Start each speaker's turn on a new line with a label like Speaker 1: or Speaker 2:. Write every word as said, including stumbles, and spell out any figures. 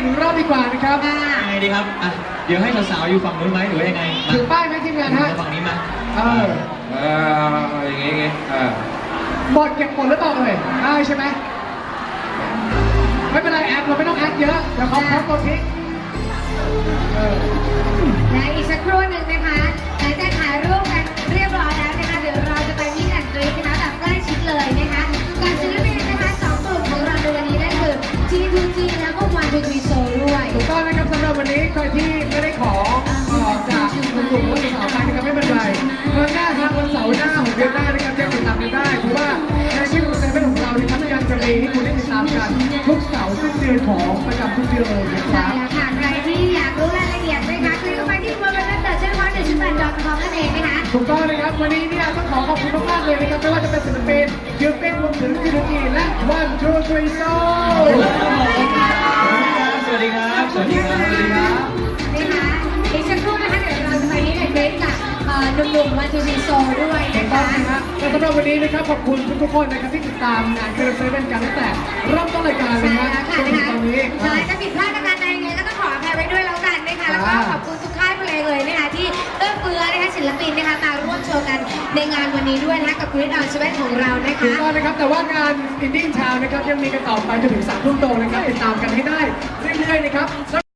Speaker 1: อีกรอบดีกว่านะครับ
Speaker 2: ยังไงดีครับอ่ะเดี๋ยวให้สาวๆอยู่ฝั่งนู้นไหมหรือว่ายังไง
Speaker 1: ถือป้ายไหมทีมงานฮะ
Speaker 2: ฝั่งนี้มา
Speaker 1: เออ
Speaker 3: เอออย่างงี้อย่างงี้เออ
Speaker 1: หมดเก็บหมดหรือเปล่าเอ่ยได้ใช่ไหมไม่เป็นไรแอดเราไม่ต้องแอดเยอะเดี๋ยวเขาเขาตัวทิ้ง
Speaker 4: และอีกสักครู่หนึ่งนะคะหลังจากถ่ายรูปกันเรียบร้อยแล้วนะคะเดี๋ยวเราจะไปมิสแอนด์กรี๊ดนะคะแบบใกล้ชิดเลยนะคะกับศิลปินนะคะสองกลุ่มของเราในวันนี้นั่นคือ จี ทู จี แล้วก็ วัน ทู ทรี Soul ด้วย
Speaker 1: ถูกต้องนะครับสำหรับวันนี้ใครที่ไม่ได้ขอจากกลุ่มผู้สาวไปนะครับไม่เป็นไรเมื่อหน้าทางวันเสาร์หน้าของเดือนหน้านะครับยังติดตามกันได้เพราะว่าในชื่อของเซเว่นของเราในทั้งการจะมีให้คุณได้ติดตามกันทุกเสาร์สิ้นเดือนของประจำทุกเดือนเลยนะค
Speaker 4: ใช่
Speaker 1: รับ
Speaker 4: แล้วค่ะใครที่อยากรู้รายละเอียดนะคะคลิกเข้าไปที่ ดับเบิลยู ดับเบิลยู ดับเบิลยู ดอท เชนพอยต์ หนึ่ง จุด แปด ดอท คอม นั่นเองนะคะ
Speaker 1: ถูกต้องนะครับวันนี้เนี่ยต้องขอขอบคุณมากๆเลยนะครับไม่ว่าจะเป็นศิลปินยูเป็นรวมถึงยูทูจีและวันทูทรีโซ
Speaker 2: สวัสดีครับ สวัสดีครับ สวัสดีครับ
Speaker 4: นะคะอีกสักครู่นะคะเดี๋ยวเราจะไปมิสแอนด์กรี๊ดกับหนุ่มๆ วัน ทู ทรี Soul ด้วย
Speaker 1: ถู
Speaker 4: นะ
Speaker 1: กต้อ
Speaker 4: คะ
Speaker 1: งนะฮะและสำหรับวันนี้นะครับขอบคุณทุกๆคนนะครับที่ติดตามงานเซเว่นกันตั้งแต่เริ่มต้นรายการเลย
Speaker 4: ใช่
Speaker 1: นะ
Speaker 4: แล้ว
Speaker 1: จ
Speaker 4: ค่ะ
Speaker 1: นถึ
Speaker 4: นะคะ
Speaker 1: งตอนนี้
Speaker 4: ใช่ถ้าผิดพลาดประการใดยังไงก็ต้องขออภัยไว้ด้วยแล้วกันนะคะแล้วก็ขอบคุณทุกค่ายเพลงเลยนะคะที่เอื้อเฟื้อนะคะศิลปินนะคะมาร่วมโชว์กันในงานวันนี้ด้วยนะคะกับ Grid on เซเว่นของเรานะ
Speaker 1: ถูก
Speaker 4: คะ
Speaker 1: ต้องนะครับแต่ว่างานอินดี้ทาวนะครับยังมีกันต่อไปจนถึงสามทุ่มตรงนะครับติดตามกันให้ได้เรื่อยๆนะครับ